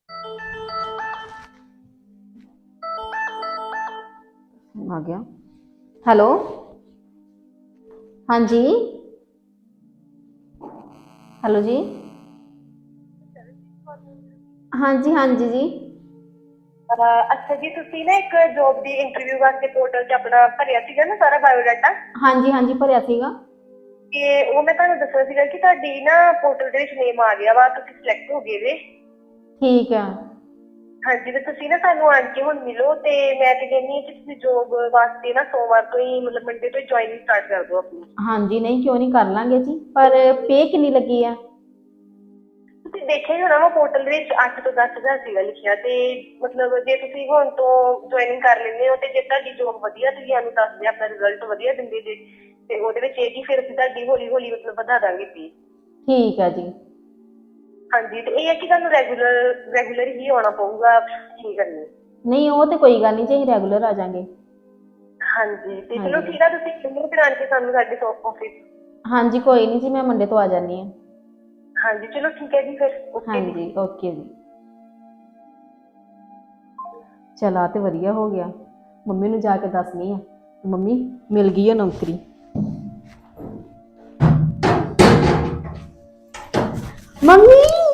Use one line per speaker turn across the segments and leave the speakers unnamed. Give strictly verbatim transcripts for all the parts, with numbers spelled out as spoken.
आ गया। हेलो, हाँ जी, हेलो जी, हाँ जी हाँ जी जी।
अच्छा जी, ਤੁਸੀਂ ਨਾ ਇੱਕ ਜੋਬ ਦੀ ਇੰਟਰਵਿਊ ਵਾਸਤੇ ਪੋਰਟਲ 'ਚ ਆਪਣਾ ਭਰਿਆ ਸੀਗਾ ਨਾ ਸਾਰਾ ਬਾਇਓਡਾਟਾ।
हाँ जी हाँ जी भरिया सीगा।
ਤੇ ਉਹ ਮੈਂ ਤੁਹਾਨੂੰ ਦੱਸਣਾ ਸੀਗਾ ਕਿ ਤੁਹਾਡੀ ਨਾ ਪੋਰਟਲ ਦੇ ਵਿੱਚ ਨੇਮ ਆ ਗਿਆ ਵਾ, ਤੁਸੀਂ ਸਿਲੈਕਟ ਹੋ ਗਏ ਜੇ।
ठीक है।
ਹਾਂਜੀ, ਤੇ ਤੁਸੀਂ ਨਾ ਸਾਨੂੰ ਆਣ ਕੇ ਹੁਣ ਮਿਲੋ ਤੇ ਮੈਂ ਤੇ ਕਹਿੰਦੀ ਹਾਂ ਕਿ ਤੁਸੀਂ ਜੋਬ ਵਾਸਤੇ ਨਾ ਸੋਮਵਾਰ ਤੋਂ ਹੀ ਮਤਲਬ ਮੰਡੇ ਤੋਂ ਹੀ ਜੁਆਇਨਿੰਗ ਸਟਾਰਟ ਕਰ ਦਿਓ ਆਪਣੀ।
हाँ जी, नहीं क्यों नहीं, कर लांगे जी, पर पे कितनी लगी है?
ਤੁਸੀਂ ਦੇਖਿਆ ਹੀ ਹੋਣਾ ਵਾ ਪੋਰਟਲ ਦੇ ਵਿੱਚ ਅੱਠ ਤੋਂ ਦਸ ਹਜ਼ਾਰ ਸੀਗਾ ਲਿਖਿਆ, ਤੇ ਮਤਲਬ ਜੇ ਤੁਸੀਂ ਹੁਣ ਤੋਂ ਜੁਆਇਨਿੰਗ ਕਰ ਲੈਂਦੇ ਹੋ ਤੇ ਜੇ ਤੁਹਾਡੀ ਜੋਬ ਵਧੀਆ ਤੁਸੀਂ ਸਾਨੂੰ ਦੱਸਦੇ ਆਪਣਾ ਰਿਜ਼ਲਟ ਵਧੀਆ ਦਿੰਦੇ ਜੇ ਤੇ ਉਹਦੇ ਵਿੱਚ ਇਹ ਕਿ ਫਿਰ ਅਸੀਂ ਤੁਹਾਡੀ ਹੌਲੀ ਹੌਲੀ ਮਤਲਬ ਵਧਾ ਦਾਂਗੇ ਫੀਸ।
ठीक है जी।
ਹਾਂਜੀ, ਤੇ ਇਹ ਹੈ ਕਿ ਤੁਹਾਨੂੰ ਰੈਗੂਲਰ ਰੈਗੂਲਰ ਹੀ ਆਉਣਾ ਪਊਗਾ ਕੀ ਕਰਨੀ।
नहीं वो तो कोई गल नहीं जी, रेगुलर आ जाएंगे।
ਹਾਂਜੀ, ਤੇ
हाँ
ਚਲੋ
जी
ਠੀਕ ਆ, ਤੁਸੀਂ ਕਿੰਨੇ ਦਿਨ ਆਣ ਕੇ ਸਾਨੂੰ ਸਾਡੇ ਆਫਿਸ।
हाँ जी, कोई नहीं जी, मैं मंडे तो आ जानी है।
ਹਾਂਜੀ ਚਲੋ ठीक है जी, फिर
हाँ
ओके जी।
जी ओके जी। चला तो वधिया हो गया, मम्मी नूं जाके दसनी है, मम्मी मिल गई है नौकरी। मम्मी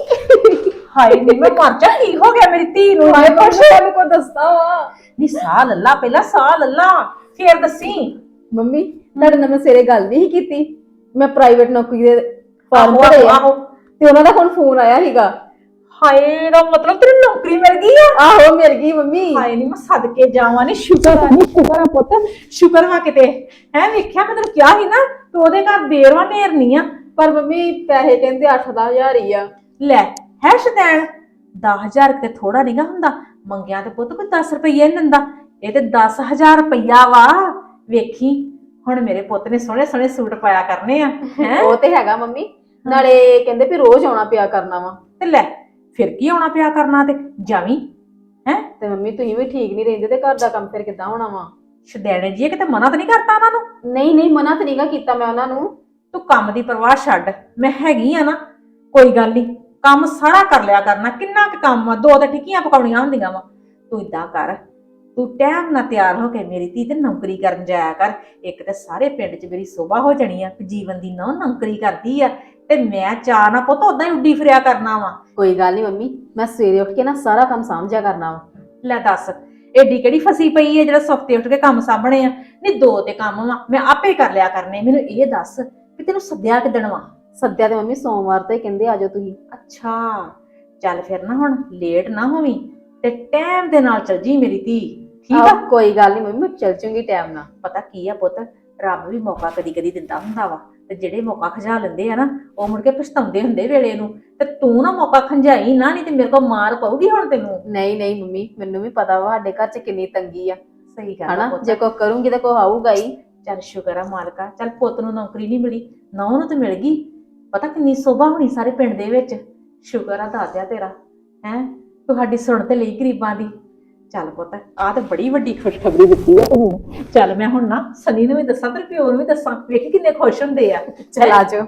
हाय नी मैं मर जा, की हो गया मेरी धी नूं?
हाय
मैं
कुछ
तेरे
को दसदा वा।
नी साह लल्ला, पहला साह लल्ला फिर दसी।
मम्मी ਤੁਹਾਡੇ ਨਾਲ ਮੈਂ ਸਵੇਰੇ ਗੱਲ ਨਹੀਂ ਕੀਤੀ, ਮੈਂ ਪ੍ਰਾਈਵੇਟ ਨੌਕਰੀ ਦੇ ਫਾਰਮ
आहो
ਭਰੇ
आहो
ਆ
आहो।
ਤੇ ਉਹਨਾਂ ਦਾ ਹੁਣ ਫੋਨ ਆਇਆ ਸੀਗਾ।
हाय दा मतलब तेरी नौकरी मिल गई है?
ਆਹੋ ਮਿਲ ਗਈ ਮੰਮੀ।
हाय नी मैं सदके जावां नी, शुकर आ नी, शुकर आ पुੱਤ, शुकर वा किते है। वेख्या मैं तेरे क्या ही ना तू ओदे घर देर वा नेर नहीं आ।
ਪਰ ਮੰਮੀ ਪੈਸੇ ਕਹਿੰਦੇ ਅੱਠ ਦਸ ਹਜ਼ਾਰ ਹੀ ਆ।
ਲੈ ਹੈ ਸ਼ਦੈਣ, दस हज़ार ਤੇ ਥੋੜਾ ਨਹੀਂਗਾ ਹੁੰਦਾ, ਮੰਗਿਆ ਤੇ ਪੁੱਤ ਕੋਈ दस ਰੁਪਈਆ ਨਹੀਂ ਦਿੰਦਾ, ਇਹ ਤੇ दस हज़ार ਰੁਪਈਆ ਵਾ। ਵੇਖੀ ਹੁਣ ਮੇਰੇ ਪੁੱਤ ਨੇ ਸੋਹਣੇ ਸੋਹਣੇ ਸੂਟ ਪਾਇਆ ਕਰਨੇ ਆ ਹੈ।
ਉਹ ਤੇ ਹੈਗਾ ਮੰਮੀ, ਨਾਲੇ ਕਹਿੰਦੇ ਵੀ ਰੋਜ਼ ਆਉਣਾ ਪਿਆ ਕਰਨਾ ਵਾ।
ਤੇ ਲੈ ਫਿਰ ਕੀ ਆਉਣਾ ਪਿਆ ਕਰਨਾ, ਤੇ ਜਾਵੀਂ ਹੈ।
ਤੇ ਮੰਮੀ ਤੁਸੀਂ ਵੀ ਠੀਕ ਨਹੀਂ ਰਹਿੰਦੇ ਤੇ ਘਰ ਦਾ ਕੰਮ ਫਿਰ ਕਿੱਦਾਂ ਹੋਣਾ ਵਾ?
ਸ਼ਦੈਣੇ ਜੀ ਕਿਤੇ ਮਨਾ ਤਾਂ ਨਹੀਂ ਕਰਤਾ ਉਹਨਾਂ ਨੂੰ?
ਨਹੀਂ ਨਹੀਂ ਮਨਾ ਤਾਂ ਨਹੀਂਗਾ ਕੀਤਾ ਮੈਂ ਉਹਨਾਂ ਨੂੰ।
ਤੂੰ ਕੰਮ ਦੀ ਪਰਵਾਹ ਛੱਡ, ਮੈਂ ਹੈਗੀ ਆ ਨਾ, ਕੋਈ ਗੱਲ ਨਹੀਂ, ਕੰਮ ਸਾਰਾ ਕਰ ਲਿਆ ਕਰਨਾ। ਕਿੰਨਾ ਕੁ ਕੰਮ ਆ, ਦੋ ਤੇ ਟਿੱਕੀਆਂ ਪਕਾਉਣੀਆਂ ਹੁੰਦੀਆਂ ਵਾ। ਤੂੰ ਇਦਾਂ ਕਰ, ਤੂੰ ਟਾਈਮ ਨਾਲ ਤਿਆਰ ਹੋ ਕੇ ਮੇਰੀ ਧੀ ਤੇ ਨੌਕਰੀ ਕਰਨ ਜਾਇਆ ਕਰ। ਇੱਕ ਤੇ ਸਾਰੇ ਪਿੰਡ 'ਚ ਮੇਰੀ ਸੋਭਾ ਹੋ ਜਾਣੀ ਆ ਕਿ ਜੀਵਨ ਦੀ ਨੌਂ ਨੌਕਰੀ ਕਰਦੀ ਆ, ਤੇ ਮੈਂ ਚਾਹ ਨਾ ਪੁੱਤ ਉਦਾਂ ਹੀ ਉੱਡੀ ਫਿਰਿਆ ਕਰਨਾ ਵਾ।
ਕੋਈ ਗੱਲ ਨਹੀਂ ਮੰਮੀ, ਮੈਂ ਸਵੇਰੇ ਉੱਠ ਕੇ ਨਾ ਸਾਰਾ ਕੰਮ ਸਾਂਭਿਆ ਕਰਨਾ ਵਾ।
ਲੈ ਦੱਸ, ਏਡੀ ਕਿਹੜੀ ਫਸੀ ਪਈ ਹੈ ਜਿਹੜਾ ਸੁੱਤੇ ਉੱਠ ਕੇ ਕੰਮ ਸਾਂਭਣੇ ਆ? ਨਹੀਂ ਦੋ ਤੇ ਕੰਮ ਵਾ, ਮੈਂ ਆਪੇ ਕਰ ਲਿਆ ਕਰਨੇ। ਮੈਨੂੰ ਇਹ ਦੱਸ ਕਿ ਤੈਨੂੰ ਸੱਦਿਆ ਕਿੱਦਣ ਵਾ?
ਸੱਦਿਆ ਤੇ ਮੰਮੀ ਸੋਮਵਾਰ ਤੋਂ ਹੀ ਕਹਿੰਦੇ ਆਜੋ ਤੁਸੀਂ।
ਅੱਛਾ ਚੱਲ ਫਿਰ ਨਾ ਹੁਣ ਲੇਟ ਨਾ ਹੋਵੀਂ ਤੇ ਟਾਈਮ ਦੇ ਨਾਲ ਚੱਲ ਜੀ ਮੇਰੀ ਧੀ, ਠੀਕ ਆ?
ਆਹੋ, ਕੋਈ ਗੱਲ ਨਹੀਂ ਮੰਮੀ, ਮੈਂ ਚੱਲ ਜੂੰਗੀ ਟਾਈਮ ਨਾਲ।
ਪਤਾ ਕੀ ਆ ਪੁੱਤ, ਰੱਬ ਵੀ ਮੌਕਾ ਕਦੀ ਕਦੀ ਦਿੰਦਾ ਹੁੰਦਾ ਵਾ, ਤੇ ਜਿਹੜੇ ਮੌਕਾ ਖਜਾ ਲੈਂਦੇ ਆ ਨਾ ਉਹ ਮੁੜ ਕੇ ਪਛਤਾਉਂਦੇ ਹੁੰਦੇ ਵੇਲੇ ਨੂੰ। ਤੇ ਤੂੰ ਨਾ ਮੌਕਾ ਖੰਜਾਈ ਨਾ, ਨਹੀਂ ਤੇ ਮੇਰੇ ਕੋਲ ਮਾਰ ਪਊਗੀ ਹੁਣ ਤੈਨੂੰ।
ਨਹੀਂ ਨਹੀਂ ਮੰਮੀ, ਮੈਨੂੰ ਵੀ ਪਤਾ ਵਾ ਸਾਡੇ ਘਰ 'ਚ ਕਿੰਨੀ ਤੰਗੀ ਆ,
ਸਹੀ ਗੱਲ ਆ
ਹਨਾ?
ਪੁੱਤ।
ਜੇ ਕੋਈ ਕਰੂੰਗੀ ਤਾਂ ਕੋਈ ਆਊਗਾ ਹੀ।
ਚੱਲ ਸ਼ੁਕਰ ਆ ਮਾਲਕਾ, ਚੱਲ ਪੁੱਤ ਨੂੰ ਨੌਕਰੀ ਨਹੀਂ ਮਿਲੀ, ਨੌਂ ਨੂੰ ਤੇ ਮਿਲ ਗਈ। ਪਤਾ ਕਿੰਨੀ ਸੋਭਾ ਹੋਣੀ ਸਾਰੇ ਪਿੰਡ ਦੇ ਵਿੱਚ। ਸ਼ੁਕਰ ਆ ਦਾਤਿਆ ਤੇਰਾ, ਹੈ ਤੁਹਾਡੀ ਸੁਣ ਤੇ ਲਈ ਗਰੀਬਾਂ ਦੀ। ਚੱਲ ਪੁੱਤ, ਆਹ ਤੇ ਬੜੀ ਵੱਡੀ ਖੁਸ਼ਖਬਰੀ ਦਿੱਤੀ ਆ ਤੂੰ। ਚੱਲ ਮੈਂ ਹੁਣ ਨਾ ਸਨੀ ਨੂੰ ਵੀ ਦੱਸਾਂ ਤੇ ਪਿਓ ਨੂੰ ਵੀ ਦੱਸਾਂ, ਵੇਖੀ ਕਿੰਨੇ ਖੁਸ਼ ਹੁੰਦੇ ਆ।
ਚਲ ਆਜੋ।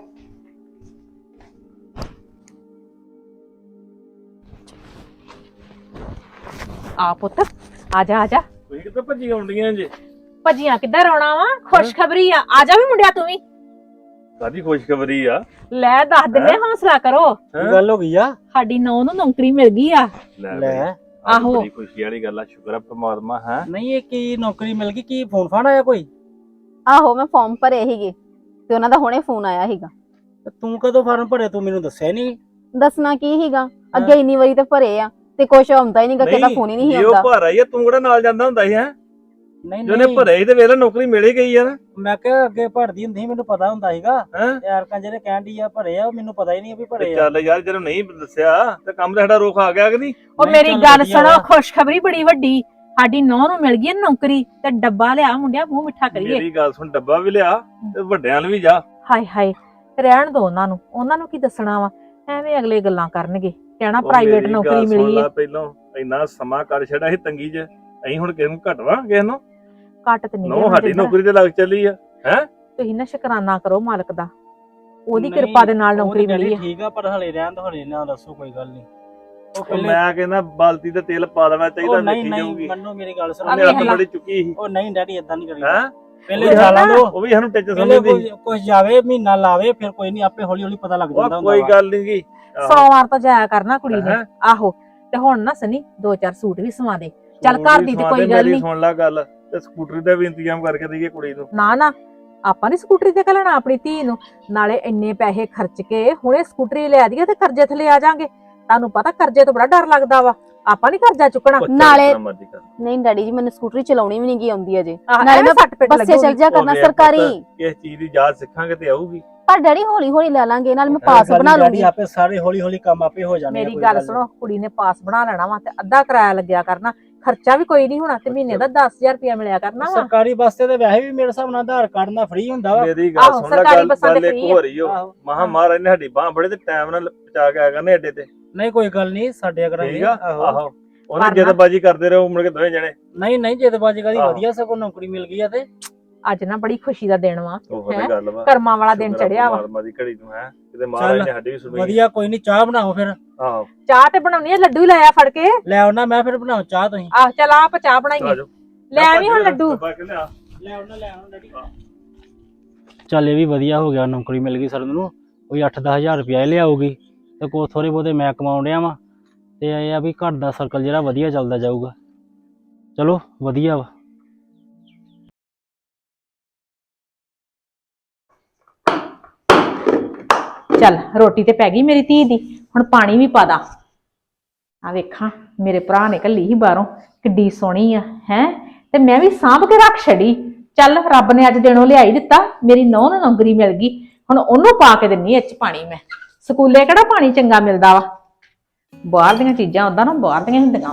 ਆ ਪੁੱਤ, ਆ ਜਾ ਆ ਜਾ।
ਤੁਸੀਂ ਕਿੱਥੇ ਭੱਜੀ ਆਉਂਦੀਆਂ ਜੇ?
ਭੱਜੀਆਂ ਕਿੱਧਰ ਆਉਣਾ ਵਾ, ਖੁਸ਼ਖਬਰੀ ਆ, ਆ ਜਾ ਵੀ ਮੁੰਡਿਆ ਤੂੰ ਵੀ।
ਕਾਦੀ ਖੁਸ਼ਖਬਰੀ ਆ?
ਲੈ ਦੱਸ ਦਿੰਦੇ, ਹੌਸਲਾ ਕਰੋ।
ਹੈਂ?
ਗੱਲ ਹੋ ਗਈ ਆ?
ਸਾਡੀ ਨੌਂ ਨੂੰ ਨੌਕਰੀ ਮਿਲ ਗਈ ਆ।
ਲੈ
ਲੈ
ਬਈ, ਆਹ
ਆਹੋ।
ਬੜੀ ਖੁਸ਼ੀ ਵਾਲੀ ਗੱਲ ਆ, ਸ਼ੁਕਰ ਆ ਪ੍ਰਮਾਤਮਾ। ਹੈ
ਨਹੀਂ ਇਹ ਕੀ ਨੌਕਰੀ ਮਿਲ ਗਈ? ਕੀ ਫੋਨ ਫਾਨ ਆਇਆ ਕੋਈ?
ਆਹੋ ਮੈਂ ਫਾਰਮ ਭਰੇ ਸੀਗੇ ਤੇ ਉਹਨਾਂ ਦਾ ਹੁਣੇ ਫੋਨ ਆਇਆ ਸੀਗਾ।
ਤੇ ਤੂੰ ਕਦੋਂ ਫਾਰਮ ਭਰਿਆ? ਤੂੰ ਮੈਨੂੰ ਦੱਸਿਆ ਨਹੀਂ।
ਦੱਸਣਾ ਕੀ ਸੀਗਾ, ਅੱਗੇ ਇੰਨੀ ਵਾਰੀ ਤਾਂ ਭਰੇ ਆ ਤੇ ਕੁਛ ਆਉਂਦਾ ਹੀ ਨਹੀਂਗਾ, ਕਿਹਦਾ ਫੋਨ ਹੀ ਨਹੀਂ
ਜੇ ਉਹ
ਆਉਂਦਾ।
ਭਰ ਆਈ ਆ, ਤੂੰ ਕਿਹੜਾ ਨਾਲ ਜਾਂਦਾ ਹੁੰਦਾ ਸੀ? ਹੈ
ਨਹੀਂ
ਜਿਹਨੇ
ਨਹੀਂ,
ਭਰੇ ਸੀ ਤੇ ਵੇਲੇ ਨੌਕਰੀ ਮਿਲ ਹੀ ਗਈ ਆ ਨਾ।
ਮੈਂ ਕਿਹਾ ਅੱਗੇ ਭਰਦੀ ਹੁੰਦੀ ਸੀ, ਮੈਨੂੰ ਪਤਾ ਹੁੰਦਾ ਸੀਗਾ।
ਹੈ
ਯਾਰ ਕਾਂ ਜਿਹੜੇ ਕਹਿਣ ਦੀ ਆ ਭਰੇ ਆ, ਮੈਨੂੰ ਪਤਾ ਹੀ ਨਹੀਂ ਵੀ ਭਰੇ ਆ।
ਚੱਲ ਯਾਰ, ਜਦੋਂ ਨਹੀਂ ਦੱਸਿਆ ਤੇ ਕੰਮ ਤਾਂ ਸਾਡਾ ਰੋਕ ਆ ਗਿਆ ਕਿ ਨਹੀਂ?
ਉਹ
ਨਹੀਂ,
ਮੇਰੀ
ਚੱਲ
ਗੱਲ
ਵਧੀਆ
ਸੁਣੋ,
ਵਾ।
ਖੁਸ਼ਖਬਰੀ ਬੜੀ ਵੱਡੀ, ਸਾਡੀ ਨੌਂ ਨੂੰ ਮਿਲ ਗਈ ਨੌਕਰੀ। ਤੇ ਡੱਬਾ ਲਿਆ ਮੁੰਡਿਆ, ਮੂੰਹ ਮਿੱਠਾ ਕਰੀਏ।
ਮੇਰੀ ਗੱਲ ਸੁਣ, ਡੱਬਾ ਵੀ ਲਿਆ ਤੇ ਵੱਡਿਆਂ ਨੂੰ ਵੀ ਜਾ।
ਹਾਏ ਹਾਏ, ਰਹਿਣ ਦੋ ਉਹਨਾਂ ਨੂੰ, ਉਹਨਾਂ ਨੂੰ ਕੀ ਦੱਸਣਾ ਵਾ, ਐਵੇਂ ਅਗਲੇ ਗੱਲਾਂ ਕਰਨਗੇ, ਕਹਿਣਾ
ਉਹ
ਪ੍ਰਾਈਵੇਟ
ਮੇਰੀ
ਨੌਕਰੀ
ਗੱਲ ਸੁਣ
ਮਿਲੀ
ਲਾ,
ਹੈ।
ਪਹਿਲੋਂ ਇੰਨਾ ਸਮਾਂ ਕਰ ਛੱਡਿਆ ਸੀ ਤੰਗੀ 'ਚ, ਅਸੀਂ ਹੁਣ ਕਿਸੇ ਨੂੰ ਘਟਵਾ ਕਿਸੇ ਨੂੰ?
ਘੱਟ ਤੇ ਨਹੀਂ
ਨੋ ਸਾਡੀ ਨੌਕਰੀ ਤੇ ਲੱਗ ਚੱਲੀ ਆ।
ਤੁਸੀਂ ਨਾ ਸ਼ੁਕਰਾਨਾ ਕਰੋ ਮਾਲਕ ਦਾ, ਉਹਦੀ
ਨਹੀਂ,
ਕਿਰਪਾ ਦੇ ਨਾਲ
ਉਹ
ਨੌਕਰੀ
ਤੇ
ਮਿਲੀ ਹੈ।
ਠੀਕ ਆ, ਪਰ ਹਲੇ ਰਹਿਣ ਦੋ, ਹਲੇ ਨਾ ਦੱਸੋ, ਕੋਈ ਗੱਲ ਨਹੀਂ। ਉਹ
ਉਹ
ਪਹਿਲੇ
ਮੈਂ ਕਹਿੰਦਾ ਬਾਲਟੀ ਤੇ ਤੇਲ ਪਾ ਦੇਣਾ ਚਾਹੀਦਾ,
ਉਹ ਨਹੀਂ
ਵੇਖੀ
ਨਹੀਂ
ਜਾਊਗੀ।
ਮੰਨੋ ਮੇਰੀ ਗੱਲ ਸੁਣੋ
ਉਹਨੇ ਹੱਥ ਬੜੀ ਚੁੱਕੀ ਸੀ
ਉਹ ਨਹੀਂ ਡੈਡੀ ਇਦਾਂ ਨਹੀਂ ਕਰੀਦਾ
ਹੈ,
ਪਹਿਲੇ ਜਾਲਾਂ ਦੋ
ਉਹ ਵੀ ਸਾਨੂੰ ਟਿੱਚ
ਪਹਿਲੇ
ਸਮਝਦੀ।
ਕੁਝ ਕੁਝ ਜਾਵੇ ਮਹੀਨਾ ਲਾਵੇ ਫਿਰ ਕੋਈ ਨਹੀਂ ਆਪੇ ਹੌਲੀ ਹੌਲੀ ਪਤਾ ਲੱਗ ਜਾਂਦਾ
ਉਹ
ਹੁੰਦਾ
ਕੋਈ
ਵਾ।
ਗੱਲ ਨਹੀਂ ਗੀ। ਆਹੋ।
ਸੌ ਵਾਰ ਤਾਂ ਜਾਇਆ ਕਰਨਾ ਕੁੜੀ ਨੇ।
ਹੈਂ?
ਆਹੋ ਤੇ ਹੁਣ ਨਾ ਸਨੀ ਦੋ ਚਾਰ ਸੂਟ ਵੀ ਸਵਾ ਦੇ। ਚੱਲ
ਸੂਟ
ਘਰ
ਵੀ
ਦੀ ਤੇ
ਸਵਾ
ਕੋਈ
ਦੇ,
ਗੱਲ
ਮੇਰੀ
ਨਹੀਂ।
ਸੁਣ ਲੈ ਗੱਲ, ਤੇ ਸਕੂਟਰੀ ਦਾ ਵੀ ਇੰਤਜ਼ਾਮ ਕਰਕੇ ਦਈਏ ਕੁੜੀ ਨੂੰ।
ਨਾ ਨਾ ਆਪਾਂ ਨੀ ਸਕੂਟਰੀ ਤੇ ਘੱਲਣਾ ਆਪਣੀ ਧੀ ਨੂੰ। ਨਾਲੇ ਇੰਨੇ ਪੈਸੇ ਖਰਚ ਕੇ ਹੁਣੇ ਸਕੂਟਰੀ ਲੈ ਦਈਏ ਤੇ ਕਰਜ਼ੇ ਥੱਲੇ ਆ ਜਾਾਂਗੇ। ਤੁਹਾਨੂੰ ਪਤਾ ਕਰਜ਼ੇ ਤੋਂ ਬੜਾ ਡਰ ਲੱਗਦਾ ਵਾ। ਆਪਾਂ ਨੀ ਕਰਜ਼ਾ ਚੁੱਕਣਾ।
ਉਹ ਚੱਲ
ਨਾਲੇ-
ਜਿतना ਮਰਜ਼ੀ ਕਰ।
ਨਹੀਂ ਡੈਡੀ ਜੀ ਮੈਨੂੰ ਸਕੂਟਰੀ ਚਲਾਉਣੀ ਵੀ ਨਹੀਂ ਗਈ ਆਉਂਦੀ ਅਜੇ।
ਆਹ,
ਨਾਲੇ
ਐਵੇਂ
ਮੈਂ
ਸੱਟ ਪਿੱਟ
ਬੱਸੇ ਚੱਲ
ਲੱਗੂਗੀ।
ਜਾ ਕਰਨਾ
ਹੋ ਗਿਆ
ਸਰਕਾਰੀ।
ਪੁੱਤ, ਕਿਸ ਚੀਜ਼ ਦੀ ਯਾਦ ਸਿੱਖਾਂਗੇ ਤੇ ਆਊਗੀ।
ਪਰ ਡੈਡੀ ਹੌਲੀ ਹੌਲੀ ਲੈ ਲਾਂਗੇ, ਨਾਲ ਮੈਂ
ਇਹ
ਪਾਸ
ਗੱਲ
ਬਣਾ
ਨੀ
ਲੂੰਗੀ।
ਡੈਡੀ ਆਪੇ ਸਾਰੇ ਹੌਲੀ ਹੌਲੀ ਕੰਮ ਆਪੇ ਹੋ ਜਾਣੇ ਆ,
ਮੇਰੀ
ਕੋਈ
ਗੱਲ
ਨੀ।
ਸੁਣੋ, ਕੁੜੀ ਨੇ ਪਾਸ ਬਣਾ ਲੈਣਾ ਵਾ ਤੇ ਅੱਧਾ ਕਿਰਾਇਆ ਲੱਗਿਆ ਕਰਨਾ। ਖਰਚਾ ਵੀ ਕੋਈ ਨਹੀਂ ਹੋਣਾ ਤੇ ਮਹੀਨੇ ਦਾ ਦਸ ਹਜ਼ਾਰ ਰੁਪਇਆ ਮਿਲਿਆ ਕਰਨਾ ਵਾ।
ਸਰਕਾਰੀ ਬੱਸ ਤੇ ਤਾਂ ਵੈਸੇ ਵੀ ਮੇਰੇ ਹਿਸਾਬ ਨਾਲ ਆਧਾਰ ਕਾਰਡ ਨਾਲ ਫ੍ਰੀ ਹੁੰਦਾ ਵਾ।
ਮੇਰੀ ਗੱਲ
ਆਹੋ,
ਸੁਣ ਲੈ,
ਸਰਕਾਰੀ
ਗੱਲ
ਬੱਸਾਂ ਤੇ
ਗੱਲ ਇੱਕ
free ਆ।
ਹੋ ਰਹੀ ਹੋ
ਆਹੋ।
ਮਹਾ ਮਹਾਰਾਜ ਨੇ ਸਾਡੀ ਬਾਹ ਬੜੇ ਤੇ ਟਾਈਮ ਨਾਲ ਪਹੁੰਚਾ ਕੇ ਆਇਆ ਕਰਨੇ ਅੱਡੇ ਤੇ।
ਨਹੀਂ ਕੋਈ ਗੱਲ ਨਹੀਂ ਸਾਡੇ ਕਰਾਂਗੇ।
ਠੀਕ ਆ, ਆਹੋ ਉਹਨੇ
ਪਰ ਨਾ-
ਜਦਬਾਜੀ ਕਰਦੇ ਰਹੋ ਮੁੜ ਕੇ ਦੋਵੇਂ ਜਣੇ।
ਨਹੀਂ ਨਹੀਂ ਜਦਬਾਜੀ ਕਰੀ
ਆਹੋ।
ਵਧੀਆ ਸਗੋਂ ਨੌਕਰੀ ਮਿਲ ਗਈ ਆ ਤੇ
ਅੱਜ ਨਾ ਬੜੀ ਖੁਸ਼ੀ ਦਾ ਦਿਨ ਵਾ।
ਉਹ
ਹੈਂ?
ਤੇ ਗੱਲ ਵਾ,
ਕਰਮਾਂ ਵਾਲਾ ਦਿਨ
ਸ਼ੁਕਰ ਆ
ਚੜਿਆ ਵਾ।
ਪਰਮਾਤਮਾ ਦੀ ਘੜੀ ਨੂੰ ਹੈ ਕਿਤੇ ਮਹਾਰਾਜ ਨੇ ਸਾਡੀ ਵੀ ਸੁਣੀ।
ਵਧੀਆ ਕੋਈ ਨਹੀਂ ਚਾਹ ਬਣਾਓ ਫਿਰ।
ਆਹੋ
ਚਾਹ ਤੇ ਬਣਾਉਣੀ ਆ, ਲੱਡੂ ਹੀ ਲਾਇਆ ਫੜ ਕੇ।
ਲੈ ਆਉਣਾ ਮੈਂ ਫਿਰ ਬਣਾਓ ਚਾਹ ਤੁਸੀਂ।
ਆਹ ਚੱਲ ਆਪ ਚਾਹ
ਆ
ਬਣਾਈਏ।
ਜਾਓ।
ਲੈ ਆਵੀਂ ਹੁਣ ਲੱਡੂ।
ਡੱਬਾ ਕਿ ਲਿਆ।
ਲੈ ਆਉਣਾ ਲੈ ਆਉਣਾ ਡੈਡੀ। ਚੱਲ ਇਹ ਵੀ ਵਧੀਆ ਹੋ ਗਿਆ, ਨੌਕਰੀ ਮਿਲ ਗਈ ਸਰਨ ਨੂੰ। ਕੋਈ ਅੱਠ ਦਸ ਹਜ਼ਾਰ ਰੁਪਇਆ ਲਿਆਊਗੀ ਤੇ ਕੋ ਥੋੜੇ ਬਹੁਤੇ ਮੈਂ ਕਮਾਉਣ ਡਿਆ ਵਾਂ ਤੇ ਇਹ ਆ ਵੀ ਘਰ ਦਾ ਸਰਕਲ ਜਿਹੜਾ ਵਧੀਆ ਚੱਲਦਾ ਜਾਊਗਾ। ਚਲੋ ਵਧੀਆ ਵਾ।
ਚੱਲ ਰੋਟੀ ਤੇ ਪੈ ਗਈ ਮੇਰੀ ਧੀ ਦੀ, ਹੁਣ ਪਾਣੀ ਵੀ ਪਾ ਦਾ। ਆ ਵੇਖਾਂ ਮੇਰੇ ਭਰਾ ਨੇ ਘੱਲੀ ਸੀ ਬਾਹਰੋਂ, ਕਿੱਡੀ ਸੋਹਣੀ ਆ ਹੈ, ਤੇ ਮੈਂ ਵੀ ਸਾਂਭ ਕੇ ਰੱਖ ਛੜੀ। ਚੱਲ ਰੱਬ ਨੇ ਅੱਜ ਦਿਨੋਂ ਲਿਆਈ ਦਿੱਤਾ, ਮੇਰੀ ਨੌਂ ਨੂੰ ਨੌਕਰੀ ਮਿਲ ਗਈ। ਹੁਣ ਉਹਨੂੰ ਪਾ ਕੇ ਦਿੰਨੀ ਇਹ ਚ ਪਾਣੀ। ਮੈਂ ਸਕੂਲੇ ਕਿਹੜਾ ਪਾਣੀ ਚੰਗਾ ਮਿਲਦਾ ਵਾ, ਬਾਹਰ ਦੀਆਂ ਚੀਜ਼ਾਂ ਉਦਾਂ ਨਾ ਬਾਹਰ ਦੀਆਂ ਹੁੰਦੀਆਂ।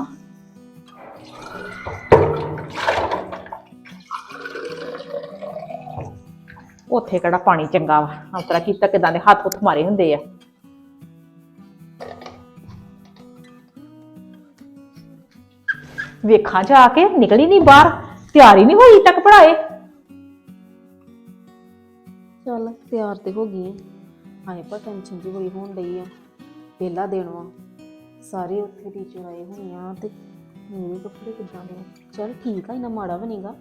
ਉੱਥੇ ਕਿਹੜਾ ਪਾਣੀ ਚੰਗਾ ਵਾ, ਉਤਰਾ ਕੀਤਾ ਕਿਦਾਂ ਦੇ ਹੱਥ ਹੁੱਥ ਮਾਰੇ ਹੁੰਦੇ ਆ। ਵੇਖਾਂ ਜਾ ਕੇ ਨਿਕਲੀ ਨਹੀਂ ਬਾਹਰ, ਤਿਆਰੀ ਨਹੀਂ ਹੋਈ ਤੱਕ ਪੜਾਏ।
ਚੱਲ ਤਿਆਰ ਤੇ ਹੋ ਗਈ ਆ। ਹਾਏ ਪਰ ਟੈਨਸ਼ਨ ਜੀ ਬੜੀ ਹੋਣ ਡਈ ਆ। ਪਹਿਲਾ ਦਿਨ ਵਾ, ਸਾਰੇ ਉੱਥੇ ਟੀਚਰ ਆਏ ਹੋਣੇ ਆ ਤੇ ਮੇਰੇ ਕੱਪੜੇ ਕਿੱਦਾਂ ਦੇ ਆ। ਚੱਲ ਠੀਕ ਆ, ਇੰਨਾ ਮਾੜਾ ਵੀ ਨਹੀਂਗਾ।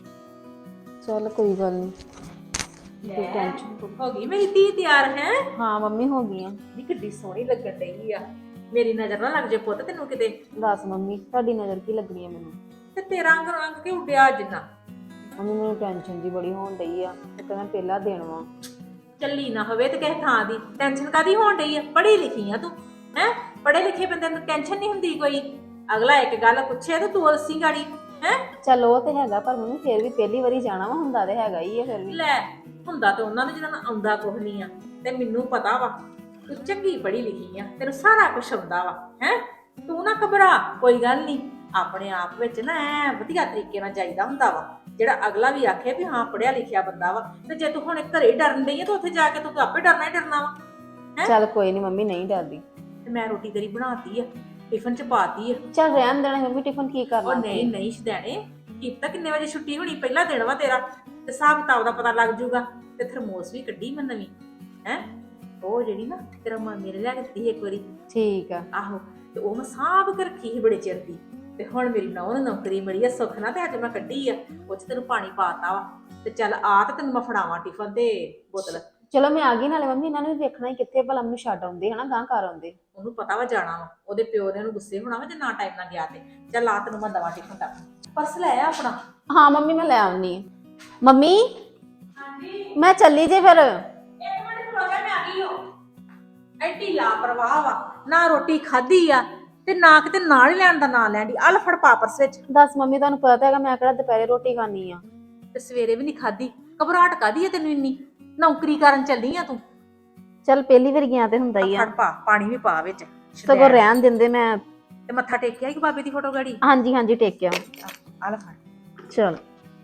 ਚੱਲ ਕੋਈ ਗੱਲ ਨਹੀਂ, ਕੋਈ ਟੈਨਸ਼ਨ।
ਹੋ ਗਈ ਮੇਰੀ ਧੀ ਤਿਆਰ ਹੈ।
ਹਾਂ ਮੰਮੀ ਹੋ ਗਈ ਆ।
ਨੀ ਕਿੱਡੀ ਸੋਹਣੀ ਲੱਗਣ ਡਈ ਆ। ਮੇਰੀ ਨਜ਼ਰ ਨਾ ਲੱਗ ਜੇ ਪੁੱਤ ਤੈਨੂੰ ਕਿਤੇ।
ਦੱਸ ਮੰਮੀ ਤੁਹਾਡੀ ਨਜ਼ਰ ਕੀ ਲੱਗਣੀ ਆ ਮੈਨੂੰ?
ਤੇ ਤੇਰਾ ਰੰਗ ਰੰਗ ਕੇ ਉੱਡਿਆ ਜਿੰਨਾ।
ਮੰਮੀ ਮੈਨੂੰ ਟੈਨਸ਼ਨ ਜੀ ਬੜੀ ਹੋਣ ਡਈ ਆ। ਤੇ ਕਹਿੰਦਾ ਪਹਿਲਾ ਦਿਨ ਵਾ।
ਚੱਲੀ ਨਾ ਹੋਵੇ ਤੇ ਕਿਸੇ ਥਾਂ ਦੀ ਟੈਨਸ਼ਨ ਕਾਦੀ ਹੋਣ ਡਈ ਆ? ਪੜ੍ਹੀ ਲਿਖੀ ਆ ਤੂੰ ਹੈ, ਪੜ੍ਹੇ ਲਿਖੇ ਬੰਦੇ ਨੂੰ ਟੈਨਸ਼ਨ ਨਹੀਂ ਹੁੰਦੀ ਕੋਈ। ਅਗਲਾ ਇੱਕ ਗੱਲ ਪੁੱਛੇ ਤੇ ਤੂੰ ਦੱਸੀ ਗਾੜੀ ਹੈ।
ਚੱਲ ਉਹ ਤੇ ਹੈਗਾ, ਪਰ ਮੰਮੀ ਫੇਰ ਵੀ ਪਹਿਲੀ ਵਾਰੀ ਜਾਣਾ ਵਾ, ਹੁੰਦਾ ਤੇ ਹੈਗਾ ਹੀ ਆ ਫਿਰ ਵੀ।
ਲੈ ਹੁੰਦਾ ਤੇ ਉਹਨਾਂ ਨੂੰ ਜਿਹਨਾਂ ਨੂੰ ਆਉਂਦਾ ਕੁਝ ਨਹੀਂ ਆ, ਤੇ ਮੈਨੂੰ ਪਤਾ ਵਾ ਤੂੰ ਚੰਗੀ ਪੜ੍ਹੀ ਲਿਖੀ ਆ, ਤੈਨੂੰ ਸਾਰਾ ਕੁਝ ਆਉਂਦਾ ਵਾ ਹੈ। ਤੂੰ ਨਾ ਘਬਰਾ, ਕੋਈ ਗੱਲ ਨਹੀਂ। ਆਪਣੇ ਆਪ ਵਿੱਚ ਨਾ ਐ ਵਧੀਆ ਤਰੀਕੇ ਨਾਲ ਜਾਈਦਾ ਹੁੰਦਾ ਵਾ, ਜਿਹੜਾ ਅਗਲਾ ਵੀ ਆਖੇ ਵੀ ਹਾਂ ਪੜਿਆ ਲਿਖਿਆ ਬੰਦਾ ਵਾ। ਤੇ ਜੇ ਤੂੰ ਹੁਣ ਘਰੇ ਹੀ ਡਰਨ ਡਈ ਆ ਤਾਂ ਉੱਥੇ ਜਾ ਕੇ ਤੂੰ ਆਪੇ ਡਰਨਾ ਹੀ ਡਰਨਾ ਵਾ।
ਚੱਲ ਕੋਈ ਨਹੀਂ ਮੰਮੀ, ਨਹੀਂ ਡਰਦੀ।
ਤੇ ਮੈਂ ਰੋਟੀ ਤੇਰੀ ਬਣਾਤੀ ਆ, ਟਿਫਨ ਚ ਪਾਤੀ ਆ।
ਚੱਲ ਰਹਿਣ ਦੇਣਾ ਮੰਮੀ, ਟਿਫਨ ਕੀ ਕਰਨਾ?
ਉਹ ਨਹੀਂ ਨਹੀਂ ਸ਼ਦੈਣੇ, ਕੀਤਾ ਕਿੰਨੇ ਵਜੇ ਛੁੱਟੀ ਹੋਣੀ, ਪਹਿਲਾ ਦਿਨ ਵਾ ਤੇਰਾ, ਤੇ ਹਿਸਾਬ ਕਿਤਾਬ ਦਾ ਪਤਾ ਲੱਗ ਜੂਗਾ। ਤੇ ਥਰਮੋਸ ਵੀ ਕੱਢੀ ਮੈਂ ਨਵੀਂ ਹੈ, ਉਹ ਜਿਹੜੀ ਨਾ ਤੇਰਾ ਮਾਂ ਮੇਰੇ ਲਿਆ ਕੇ ਦਿੱਤੀ ਇੱਕ ਵਾਰੀ।
ਠੀਕ ਆ।
ਆਹੋ, ਤੇ ਉਹ ਮੈਂ ਸਾਂਭ ਕੇ ਰੱਖੀ ਸੀ ਬੜੇ ਚਿਰ ਦੀ। ਤੇ ਹੁਣ ਮੇਰੀ ਨੌਂ ਨੂੰ ਨੌਕਰੀ ਮਿਲੀ ਆ ਸੁੱਖ ਨਾਲ, ਤੇ ਅੱਜ ਮੈਂ ਕੱਢੀ ਆ, ਉਹ ਚ ਤੈਨੂੰ ਪਾਣੀ ਪਾਤਾ ਵਾ। ਤੇ ਚੱਲ ਆ ਤੇ ਤੈਨੂੰ ਮੈਂ ਫੜਾਵਾਂ ਟਿਫਨ ਤੇ ਬੋਤਲ।
ਚਲੋ ਮੈਂ ਆ ਗਈ। ਨਾਲੇ ਮੰਮੀ ਇਹਨਾਂ ਨੂੰ ਵੀ ਵੇਖਣਾ ਹੀ ਕਿੱਥੇ ਭਲਾ ਮੈਨੂੰ ਛੱਡ ਆਉਂਦੇ ਹਨਾ, ਗਾਂ ਘਰ ਆਉਂਦੇ।
ਉਹਨੂੰ ਪਤਾ ਵਾ ਜਾਣਾ ਵਾ, ਉਹਦੇ ਪਿਓ ਦੇ ਨੂੰ ਗੁੱਸੇ ਹੋਣਾ ਵਾ ਜੇ ਨਾ ਟਾਈਮ ਨਾਲ ਗਿਆ ਤੇ। ਚੱਲ ਆ ਤੈਨੂੰ ਮੈਂ ਦਵਾ ਟਿਫਨ ਤੱਕ। ਪਰਸ ਲੈ ਆ ਆਪਣਾ।
ਹਾਂ ਮੰਮੀ ਮੈਂ ਲੈ ਆਉਣੀ ਆ। ਮੰਮੀ
ਹਾਂਜੀ
ਮੈਂ ਚੱਲੀ ਜੇ ਫਿਰ।
ਇੱਕ ਮਿੰਟ ਖਲੋ ਜਾ, ਮੈਂ ਆ ਗਈ ਹਾਂ। ਐਡੀ ਲਾਪਰਵਾਹ ਵਾ, ਨਾ ਰੋਟੀ ਖਾਧੀ ਆ ਤੇ ਨਾ ਕਿਤੇ ਨਾਲ ਹੀ ਲੈਣ ਦਾ ਨਾਂ ਲੈਂਦੀ। ਆ ਲੈ ਫੜ ਪਾ ਪਰਸ ਵਿੱਚ।
ਦੱਸ ਮੰਮੀ, ਤੁਹਾਨੂੰ ਪਤਾ ਹੈਗਾ ਮੈਂ ਕਿਹੜਾ ਦੁਪਹਿਰੇ ਰੋਟੀ ਖਾਣੀ ਆ।
ਤੇ ਸਵੇਰੇ ਵੀ ਨਹੀਂ ਖਾਧੀ। ਘਬਰਾਹਟ ਕਾਦੀ ਆ ਤੈਨੂੰ ਇੰਨੀ? ਨੌਕਰੀ ਕਰਨ ਚੱਲੀ ਆ ਤੂੰ।
ਚੱਲ ਪਹਿਲੀ ਵਾਰ ਗਿਆ ਤੇ ਹੁੰਦਾ ਹੀ ਆ।
ਫੜ ਪਾ, ਪਾਣੀ ਵੀ ਪਾ ਵਿੱਚ।
ਸਗੋਂ ਰਹਿਣ ਦਿੰਦੇ ਮੈਂ।
ਤੇ ਮੱਥਾ ਟੇਕਿਆ ਕਿ ਬਾਬੇ ਦੀ ਫੋਟੋ ਗਾੜੀ?
ਹਾਂਜੀ ਹਾਂਜੀ ਟੇਕਿਆ।
ਆ ਲੈ ਫੜ।
ਚਲ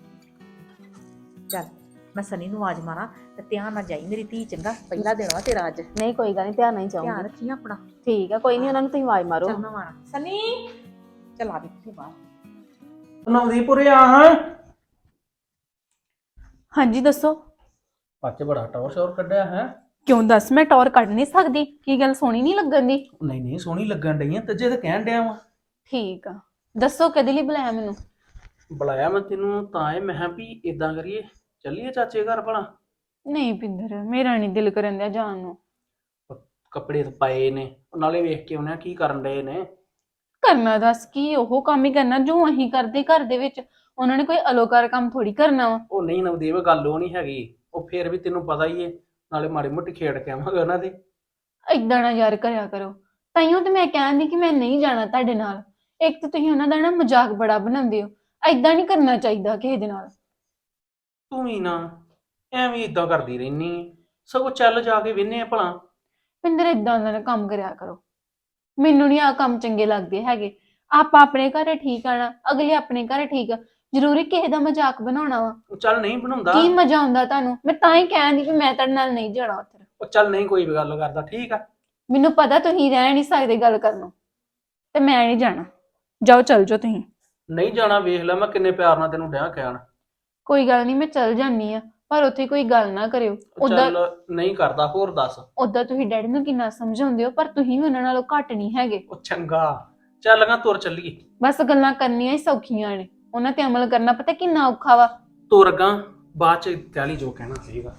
ਚੱਲ ਮੈਂ ਸਨੀ ਨੂੰ ਆਵਾਜ਼ ਮਾਰਾਂ ਤੇ ਧਿਆਨ ਨਾਲ ਜਾਈ ਮੇਰੀ ਧੀ, ਚੰਗਾ? ਪਹਿਲਾ ਦਿਨ ਵਾ ਤੇਰਾ ਅੱਜ।
ਨਹੀਂ ਕੋਈ ਗੱਲ ਨਹੀਂ, ਧਿਆਨ ਨਹੀਂ
ਧਿਆਨ
ਚਾਹੂੰਗੀ।
ਰੱਖੀ ਆਪਣਾ।
ਠੀਕ ਆ, ਕੋਈ ਨਹੀਂ, ਉਹਨਾਂ ਨੂੰ ਤੁਸੀਂ ਆਵਾਜ਼ ਮਾਰੋ।
ਚੱਲ ਮੈਂ ਮਾਰਾਂ। ਸਨੀ ਚੱਲ ਆ ਵੀ ਬਾਹਰ।
ਨਵਦੀਪੁਰੇ ਆ ਹਾਂ।
ਹਾਂਜੀ ਦੱਸੋ।
ਪੱਚ ਬੜਾ ਟੌਰ ਸ਼ੋਰ ਕੱਢਿਆ ਹੈ।
ਕਿਉਂ ਦੱਸ ਮੈਂ ਟੌਰ ਕੱਢ ਨਹੀਂ ਸਕਦੀ? ਕੀ ਗੱਲ ਸੋਹਣੀ ਨਹੀਂ ਲੱਗਣ ਦੀ?
ਨਹੀਂ ਨਹੀਂ ਸੋਹਣੀ ਲੱਗਣ ਡਈ ਆ ਤੱਜੇ ਤਾਂ ਕਹਿਣ ਡਿਆ ਵਾ।
ਠੀਕ ਆ, ਦੱਸੋ ਕਦੇ ਲਈ ਬੁਲਾਇਆ ਮੈਨੂੰ?
ਬੁਲਾਇਆ ਮੈਂ ਤੈਨੂੰ ਤਾਂ ਇਹ ਮੈਂ ਕਿਹਾ ਵੀ ਇਦਾਂ ਕਰੀਏ ਚੱਲੀਏ ਚਾਚੇ ਘਰ ਭਲਾ।
ਨਹੀਂ ਪਿੰਦਰ, ਮੇਰਾ ਨਹੀਂ ਦਿਲ ਕਰਨ ਦਿਆ ਜਾਣ ਨੂੰ।
ਕੱਪੜੇ ਤਾਂ ਪਾਏ ਨੇ, ਨਾਲੇ ਵੇਖ ਕੇ ਉਹਨੇ ਕੀ ਕਰਨ ਡਏ ਨੇ।
ਕਰਨਾ ਦੱਸ ਕੀ, ਉਹ ਕੰਮ ਹੀ ਕਰਨਾ ਜੋ ਅਸੀਂ ਕਰਦੇ ਘਰ ਦੇ ਵਿੱਚ। ਉਹਨਾਂ ਨੇ ਕੋਈ ਅਲੋਕਾਰ ਕੰਮ ਥੋੜੀ ਕਰਨਾ ਵਾ।
ਉਹ ਨਹੀਂ ਨਵਦੀਪ, ਗੱਲ ਉਹ ਨਹੀਂ ਹੈਗੀ। ਉਹ ਫੇਰ ਵੀ ਤੈਨੂੰ ਪਤਾ ਹੀ ਏ, ਨਾਲੇ ਮਾੜੀ ਮੋਟੀ ਖੇਡ ਕੇ ਆਵਾਂਗੇ ਉਹਨਾਂ ਦੇ।
ਏਦਾਂ ਨਾ ਯਾਰ ਕਰਿਆ ਕਰੋ। ਤਾਈਓ ਤੇ ਮੈਂ ਕਹਿੰਦੀ ਕਿ ਮੈਂ ਨਹੀਂ ਜਾਣਾ ਤੁਹਾਡੇ ਨਾਲ। ਇੱਕ ਤਾਂ ਤੁਸੀਂ ਉਹਨਾਂ ਦਾ ਨਾ ਮਜ਼ਾਕ ਬੜਾ ਬਣਾਉਂਦੇ ਹੋ। ਏਦਾਂ ਨਹੀਂ ਕਰਨਾ ਚਾਹੀਦਾ ਕਿਸੇ ਦੇ ਨਾਲ।
ਤੂੰ ਵੀ ਨਾ ਐਵੇਂ ਇਦਾਂ ਕਰਦੀ ਰਹਿਨੀ ਏ। ਸਗੋਂ ਚੱਲ ਜਾ ਕੇ ਵਿਹਨੇ ਆ ਭਲਾ।
ਪਿੰਦਰ ਏਦਾਂ ਦਾ ਨਾ ਕੰਮ ਕਰਿਆ ਕਰੋ। ਮੈਨੂੰ ਨਹੀਂ ਆ ਕੰਮ ਚੰਗੇ ਲੱਗਦੇ ਹੈਗੇ। ਆਪਾਂ ਆਪਣੇ ਘਰੇ ਠੀਕ ਆਣਾ, ਅਗਲੇ ਆਪਣੇ ਘਰੇ ਠੀਕ ਆ। ਜ਼ਰੂਰੀ ਕਿਸੇ ਦਾ ਮਜ਼ਾਕ ਬਣਾਉਣਾ ਵਾ?
ਉਹ ਚੱਲ ਨਹੀਂ ਬਣਾਉਂਦਾ।
ਕੀ ਮਜ਼ਾ ਆਉਂਦਾ ਤੁਹਾਨੂੰ? ਮੈਂ ਤਾਂ ਹੀ ਕਹਿੰਦੀ ਕਿ ਮੈਂ ਤੁਹਾਡੇ ਨਾਲ ਨਹੀਂ ਜਾਣਾ ਉੱਥੇ।
ਉਹ ਚੱਲ ਨਹੀਂ ਕੋਈ ਵੀ ਗੱਲ ਕਰਦਾ, ਠੀਕ ਆ।
ਮੈਨੂੰ ਪਤਾ ਤੁਸੀਂ ਰਹਿ ਨਹੀਂ ਸਕਦੇ ਗੱਲ ਕਰਨੋਂ, ਤੇ ਮੈਂ ਨਹੀਂ ਜਾਣਾ। ਜਾਓ ਚੱਲ ਜਾਓ ਤੁਸੀਂ।
ਨਹੀਂ ਜਾਣਾ ਵੇਖ ਲੈ, ਮੈਂ ਕਿੰਨੇ ਪਿਆਰ ਨਾਲ ਤੈਨੂੰ ਡਿਆ ਕਹਿਣ।
ਕੋਈ ਗੱਲ ਨਹੀਂ, ਮੈਂ ਚੱਲ ਜਾਨੀ ਆ, ਪਰ ਉੱਥੇ ਕੋਈ ਗੱਲ ਨਾ ਕਰਿਓ। ਉਦਾਂ
ਚੱਲ ਨਹੀਂ ਕਰਦਾ, ਹੋਰ ਦੱਸ।
ਉਦਾਂ ਤੁਸੀਂ ਡੈਡੀ ਨੂੰ ਕਿੰਨਾ ਸਮਝਾਉਂਦੇ ਹੋ, ਪਰ ਤੁਸੀਂ ਵੀ ਉਹਨਾਂ ਨਾਲੋਂ ਘੱਟ ਨਹੀਂ ਹੈਗੇ।
ਉਹ ਚੰਗਾ ਚੱਲ ਗਾ, ਤੁਰ ਚੱਲੀਏ।
ਬਸ ਗੱਲਾਂ ਕਰਨੀਆਂ ਹੀ ਸੌਖੀਆਂ ਨੇ, ਉਹਨਾਂ ਤੇ ਅਮਲ ਕਰਨਾ ਪਤਾ ਕਿੰਨਾ ਔਖਾ ਵਾ।
ਤੁਰ ਗਾ, ਬਾਅਦ ਚ ਤੈਲੀ ਜੋ ਕਹਿਣਾ ਸੀਗਾ।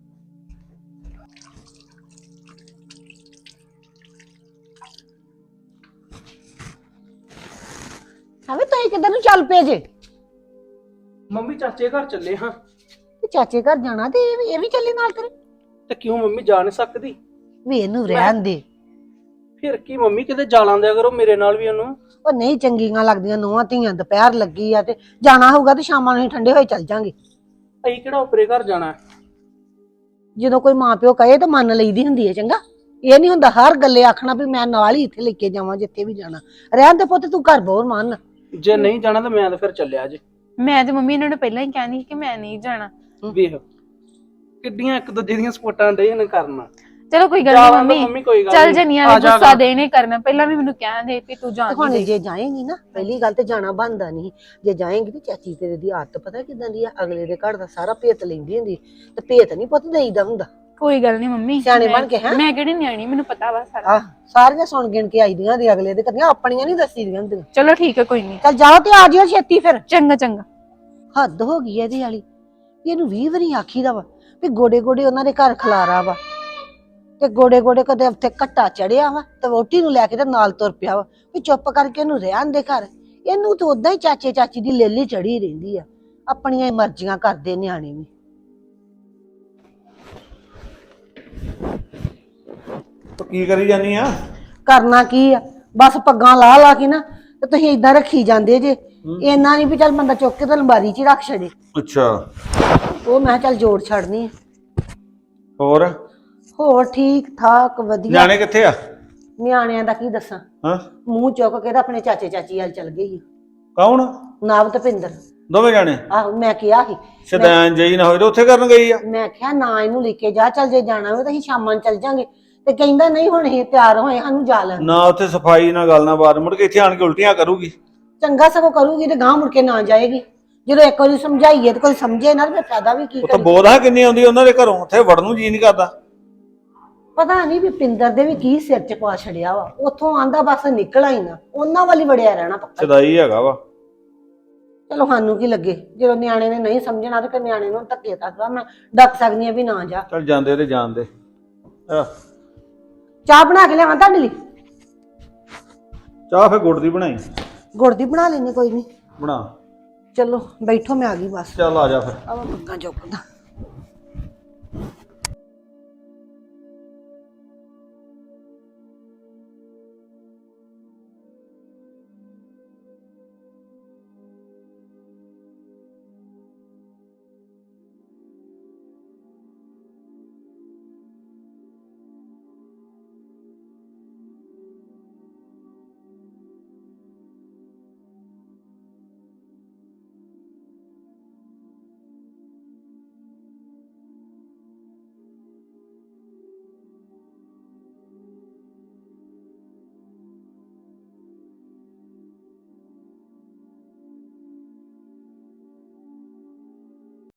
ਹਵੇ ਤੁਸੀਂ ਕਿੱਧਰ ਨੂੰ ਚੱਲ ਪਏ ਜੇ?
ਮੰਮੀ ਚਾਚੇ ਘਰ ਚੱਲੇ ਹਾਂ।
ਤੇ ਚਾਚੇ ਘਰ ਜਾਣਾ ਤੇ ਇਹ ਵੀ ਇਹ ਵੀ ਚੱਲੇ ਨਾਲ ਤੇਰੇ?
ਤੇ ਕਿਉਂ ਮੰਮੀ ਜਾ ਨਹੀਂ ਸਕਦੀ?
ਵੀ ਇਹਨੂੰ ਰਹਿਣ ਦੇ।
ਫਿਰ ਕੀ ਮੰਮੀ, ਕਿਤੇ ਜਾ ਲਾਂਦਿਆ ਕਰੋ ਮੇਰੇ ਨਾਲ ਵੀ ਉਹਨੂੰ।
ਉਹ ਨਹੀਂ ਚੰਗੀਆਂ ਲੱਗਦੀਆਂ ਨੂੰਹਾਂ ਧੀਆਂ। ਦੁਪਹਿਰ ਲੱਗੀ ਆ ਤੇ ਜਾਣਾ ਹੋਊਗਾ ਤੇ ਸ਼ਾਮਾਂ ਨੂੰ ਹੀ ਠੰਡੇ ਹੋਏ ਚੱਲ ਜਾਾਂਗੇ।
ਅਸੀਂ ਕਿਹੜਾ ਉਪਰੇ ਘਰ ਜਾਣਾ?
ਜਦੋਂ ਕੋਈ ਮਾਂ ਪਿਓ ਕਹੇ ਤਾਂ ਮੰਨ ਲਈਦੀ ਹੁੰਦੀ ਹੈ। ਚੰਗਾ, ਇਹ ਨਹੀਂ ਹੁੰਦਾ ਹਰ ਗੱਲੇ ਆਖਣਾ ਵੀ ਮੈਂ ਨਾਲ ਹੀ ਇੱਥੇ ਲੈ ਕੇ ਜਾਵਾਂ ਜਿੱਥੇ ਵੀ ਜਾਣਾ। ਰਹਿਣ ਦੇ ਪੁੱਤ, ਤੂੰ ਘਰ ਬੋਰ ਮੰਨ।
ਜੇ ਨਹੀਂ ਜਾਣਾ ਤਾਂ ਮੈਂ ਤਾਂ ਫਿਰ ਚੱਲਿਆ ਜੇ।
ਮੈਂ ਤੇ ਮੰਮੀ ਇਹਨਾਂ ਨੂੰ ਪਹਿਲਾਂ ਹੀ ਕਹਿੰਦੀ ਕਿ ਮੈਂ ਨਹੀਂ ਜਾਣਾ।
ਵੇਖ ਕਿੱਡੀਆਂ ਇੱਕ ਦੂਜੇ ਦੀਆਂ ਸਪੋਰਟਾਂ ਡੇ ਨੇ ਕਰਨਾ।
ਚਲੋ ਕੋਈ ਗੱਲ
ਜਾ
ਨਹੀਂ
ਵੜੋ
ਮੰਮੀ,
ਮੰਮੀ, ਕੋਈ ਗੱਲ
ਚੱਲ
ਨੀ।
ਜਨੀਆਂ
ਆ
ਨੇ
ਜਾ
ਗੁੱਸਾ
ਗਾ।
ਦੇ ਨਹੀਂ ਕਰਨਾ। ਪਹਿਲਾਂ ਵੀ ਮੈਨੂੰ ਕਹਿੰਦੇ ਵੀ ਤੂੰ
ਤੇ
ਜਾਣ
ਹੁਣ
ਨਹੀਂ ਦੇ।
ਜੇ ਜਾਏਂਗੀ ਨਾ, ਪਹਿਲੀ ਗੱਲ ਤੇ ਜਾਣਾ ਬਣਦਾ ਨਹੀਂ। ਜੇ ਜਾਏਂਗੀ ਤੇ ਚਾਚੀ ਤੇਰੇ ਦੀ ਆਦਤ ਪਤਾ ਕਿਦਾਂ ਦੀ ਆ, ਅਗਲੇ ਦੇ ਘਰ ਦਾ ਸਾਰਾ ਭੇਤ ਲੈਂਦੀ ਹੁੰਦੀ। ਤੇ ਭੇਤ ਨਹੀਂ ਪੁੱਤ ਦੇਈਦਾ ਹੁੰਦਾ।
ਕੋਈ ਗੱਲ ਨਹੀਂ ਮੰਮੀ,
ਸਿਆਣੇ
ਮੈਂ-
ਬਣ ਕੇ, ਹੈਂ?
ਮੈਂ ਕਿਹੜੀ ਨਿਆਣੀ, ਮੈਨੂੰ ਪਤਾ ਵਾ ਸਾਰਾ।
ਆਹ ਸਾਰੀਆਂ ਸੁਣ ਗਿਣ ਕੇ ਆਈਦੀਆਂ ਦੀ ਅਗਲੇ ਦੇ ਕਰਨੀਆਂ, ਆਪਣੀਆਂ ਨਹੀਂ ਦੱਸੀ ਦੀਆਂ ਹੁੰਦੀਆਂ।
ਚਲੋ ਠੀਕ ਹੈ, ਕੋਈ ਨਹੀਂ।
ਚੱਲ ਜਾਓ ਤੇ ਆ ਜਿਓ ਛੇਤੀ ਫਿਰ।
ਚੰਗਾ ਚੰਗਾ।
ਹੱਦ ਹੋ ਗਈ ਇਹਦੀ ਵਾਲੀ। ਵੀ ਇਹਨੂੰ ਵੀਹ ਵਾਰੀ ਆਖੀਦਾ ਵਾ ਵੀ ਗੋਡੇ ਗੋਡੇ ਉਹਨਾਂ ਦੇ ਘਰ ਖਲਾਰਾ ਵਾ, ਤੇ ਗੋਡੇ ਗੋਡੇ ਕਦੇ ਉੱਥੇ ਘੱਟਾ ਚੜਿਆ ਵਾ ਤੇ ਵੋਟੀ ਨੂੰ ਲੈ ਕੇ ਤੇ ਨਾਲ ਤੁਰ ਪਿਆ ਵਾ ਵੀ ਚੁੱਪ ਕਰਕੇ ਇਹਨੂੰ ਰਹਿਣ ਦੇ ਘਰ। ਇਹਨੂੰ ਤਾਂ ਉਦਾਂ ਹੀ ਚਾਚੇ ਚਾਚੀ ਦੀ ਲੇਲੀ ਚੜੀ ਰਹਿੰਦੀ ਆ। ਆਪਣੀਆਂ ਹੀ ਮਰਜ਼ੀਆਂ ਕਰਦੇ ਨਿਆਣੇ ਵੀ।
ਕੀ ਕਰੀ ਜਾਨੀ ਆ?
ਕਰਨਾ ਕੀ ਆ, ਬਸ ਪੱਗਾਂ ਲਾ ਲਾ ਕੇ ਨਾ ਤੇ ਤੁਸੀਂ ਏਦਾਂ ਰੱਖੀ ਜਾਂਦੇ ਜੇ। ਇੰਨਾ ਨਹੀਂ ਵੀ ਚੱਲ ਬੰਦਾ ਚੁੱਕ ਕੇ ਤੇ ਅਲਮਾਰੀ 'ਚ ਹੀ ਰੱਖ ਛੱਡੇ।
ਅੱਛਾ,
ਉਹ ਮੈਂ ਕਿਹਾ ਚੱਲ ਜੋੜ ਛੱਡਨੀ ਆ।
ਹੋਰ
ਹੋਰ ਠੀਕ ਠਾਕ ਵਧੀਆ।
ਨਿਆਣੇ ਕਿੱਥੇ ਆ?
ਨਿਆਣਿਆਂ ਦਾ ਕੀ ਦੱਸਾਂ,
ਹਾਂ,
ਮੂੰਹ ਚੁੱਕ ਕੇ ਤਾਂ ਆਪਣੇ ਚਾਚੇ ਚਾਚੀ ਵੱਲ ਚਲ ਗਈ।
ਕੌਣ?
ਨਾਵ ਤੇ ਭਿੰਦਰ।
ਦੋਵੇਂ ਜਾਣੇ?
ਆਹੋ ਮੈਂ ਕਿਹਾ ਸੀ,
ਸ਼ੈਤਾਨ ਜਈ ਨਾ ਹੋਏ ਤੇ ਉੱਥੇ ਕਰਨ ਗਈ ਆ।
ਮੈਂ ਕਿਹਾ ਨਾ ਇਹਨੂੰ ਲੈ ਕੇ ਜਾ, ਚੱਲ ਜੇ ਜਾਣਾ ਹੋਵੇ ਤਾਂ ਅਸੀਂ ਸ਼ਾਮਾਂ ਨੂੰ ਚੱਲ ਜਾਾਂਗੇ। ਤੇ ਕਹਿੰਦਾ ਨਹੀਂ ਹੁਣ ਇਹ ਤਿਆਰ ਹੋਏ ਸਾਨੂੰ ਜਾ ਲੈਣ।
ਨਾ ਉੱਥੇ ਸਫਾਈ ਨਾ ਗੱਲ ਨਾ ਬਾਤ, ਮੁੜ ਕੇ ਇੱਥੇ ਆਣ ਕੇ ਉਲਟੀਆਂ ਕਰੂਗੀ।
ਚੰਗਾ ਸਗੋਂ ਕਰੂਗੀ ਤੇ ਗਾਂ ਮੁੜ ਕੇ ਨਾ ਜਾਏਗੀ। ਜਦੋਂ ਇੱਕ ਵਾਰੀ ਸਮਝਾਈਏ ਤੇ ਕੋਈ ਸਮਝੇ ਨਾ ਤੇ ਫਾਇਦਾ ਵੀ ਕੀ
ਉੱਥੇ
ਕਰੀ।
ਬੋਧਾ ਕਿੰਨੀ ਆਉਂਦੀ ਉਹਨਾਂ ਦੇ ਘਰੋਂ, ਉੱਥੇ ਵੜਨ ਨੂੰ ਜੀ ਨਹੀਂ ਕਰਦਾ।
ਪਤਾ ਨਹੀਂ ਵੀ ਪਿੰਦਰ ਦੇ ਵੀ ਕੀ ਸਿਰ ਚ ਪਾ ਛੜਿਆ ਵਾ। ਉੱਥੋਂ ਆਂਦਾ ਬਸ ਨਿਕਲਾ ਹੀ ਨਾ, ਉਹਨਾਂ ਵਾਲੀ ਵੜਿਆ ਰਹਿਣਾ ਪੱਕਾ।
ਸਦਾਈ ਹੈਗਾ ਵਾ।
ਚਲੋ ਸਾਨੂੰ ਕੀ ਲੱਗੇ, ਜਦੋਂ ਨਿਆਣੇ ਨੇ ਨਹੀਂ ਸਮਝਣਾ ਤੇ ਫਿਰ ਨਿਆਣੇ ਨੂੰ ਧੱਕੇ ਤੱਕ ਮੈਂ ਡੱਕ ਸਕਦੀ ਆ ਵੀ ਨਾ ਜਾ।
ਚੱਲ ਜਾਂਦੇ ਤੇ ਜਾਣਦੇ। ਆਹ
ਚਾਹ ਬਣਾ ਕੇ ਲਿਆਵਾਂ ਤੁਹਾਡੇ ਲਈ?
ਚਾਹ ਫੇ ਗੁੜ ਦੀ ਬਣਾਈ।
ਗੁੜ ਦੀ ਬਣਾ ਲੈਣੀ, ਕੋਈ ਨਹੀਂ।
ਬਣਾ।
ਚਲੋ ਬੈਠੋ, ਮੈਂ ਆ ਗਈ ਬਸ।
ਚੱਲ ਆ ਜਾ ਫਿਰ।
ਆਵਾ ਪੱਕਾ ਚੁੱਕਦਾ।